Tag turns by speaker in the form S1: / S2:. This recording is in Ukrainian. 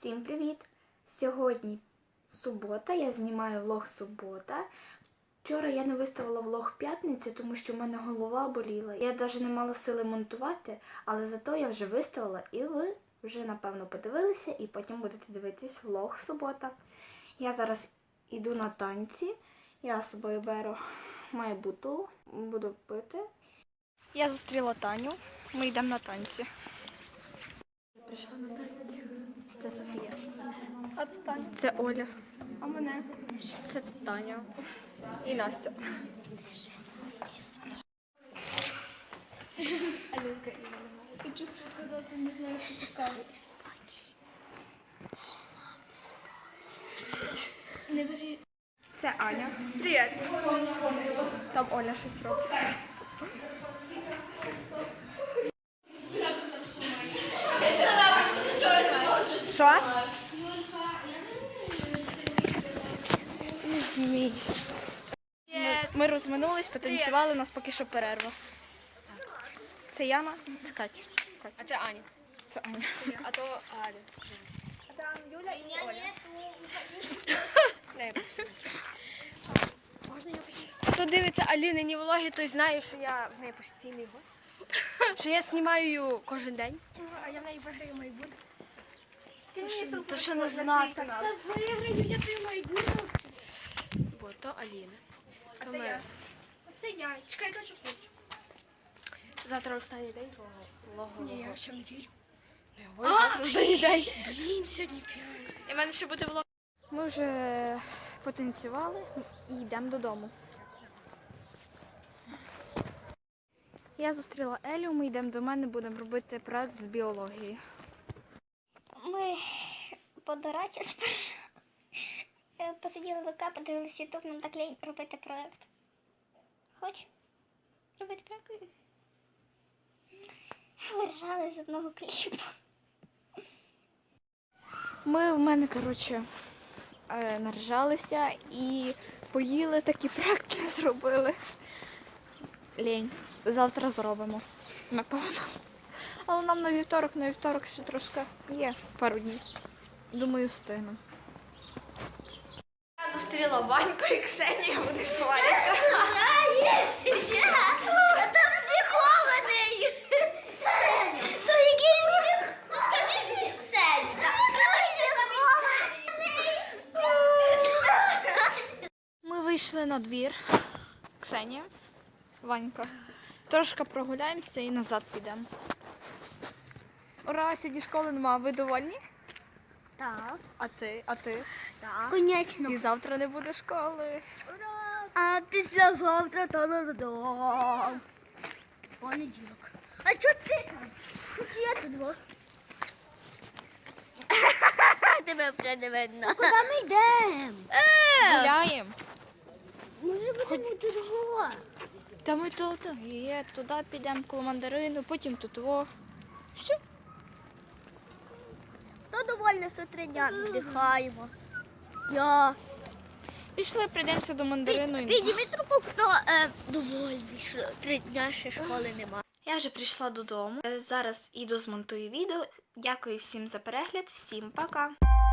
S1: Всім привіт! Сьогодні субота, я знімаю влог субота. Вчора я не виставила влог п'ятниці, тому що в мене голова боліла. Я навіть не мала сили монтувати, але зато я вже виставила і ви вже, напевно, подивилися і потім будете дивитись влог субота. Я зараз йду на танці, я з собою беру майбуту, буду пити. Я зустріла Таню, ми йдемо на танці. Прийшла на танці. Це Софія.
S2: А це Таня.
S1: Це Оля.
S2: А мене?
S1: Це Таня. І Настя.
S2: Алінка. Ти чувствуєш, коли ти не знаєш, що поставити. Не бери.
S1: Це Аня. Привіт. Там Оля щось робить. Що? Ми розминулись, потанцювали, у нас поки що перерва. Це Яна, це Катя.
S2: А це Аня.
S1: Це Аня.
S2: А то Аля. А там Юля і Оля. Хто дивиться Алінині влоги, той знає, що я в неї постійний гость. Що я знімаю кожен день. А я в неї виграю майбутнє.
S1: То що не знати.
S2: Та виграю, я тобі майбутнє. Бо то Аліна. А це я. Це я. Чекай, я хочу. Завтра останній день твого влогу. Ні, я ще в неділю. Завтра останній день. Блін, сьогодні 5. І в мене ще буде влог.
S1: Ми вже потанцювали і йдемо додому. Я зустріла Елю, ми йдемо до мене, будемо робити проект з біології.
S3: Ми по дорачі спершу посиділи в ВК, подивилися ютуб, нам так лінь робити проект. Хоч робити проект? Виржали з одного кліпу.
S1: Ми в мене, наржалися і поїли, такі проект не зробили. Лінь. Завтра зробимо, напевно. Але нам на вівторок ще трошки є пару днів. Думаю, встигну. Я зустріла Ваньку і Ксенію, вони сваряться.
S3: А там психований! То який він? То скажи щось Ксені.
S1: Ми вийшли на двір. Ксенія, Ванька. Трошки прогуляємося і назад підемо. Ура, сьогодні школи нема. Ви довольні?
S3: Так.
S1: А ти?
S3: Так. Конечно.
S1: І завтра не буде школи.
S3: А післязавтра та-да-да-да. Понеділок. А чого ти там? Чи я тут два? Тебе вже не видно. Куди ми йдемо?
S1: Гуляємо.
S3: Може будемо дорого.
S1: Та ми тут є, туди підемо коло мандарину, потім тут во. Все.
S3: То довольно, що 3 дня віддихаємо. Я.
S1: Пішли, прийдемося до мандарину.
S3: Підніміть руку, хто довольний, що 3 дня ще школи нема.
S1: Я вже прийшла додому. Зараз іду змонтую відео. Дякую всім за перегляд. Всім пока.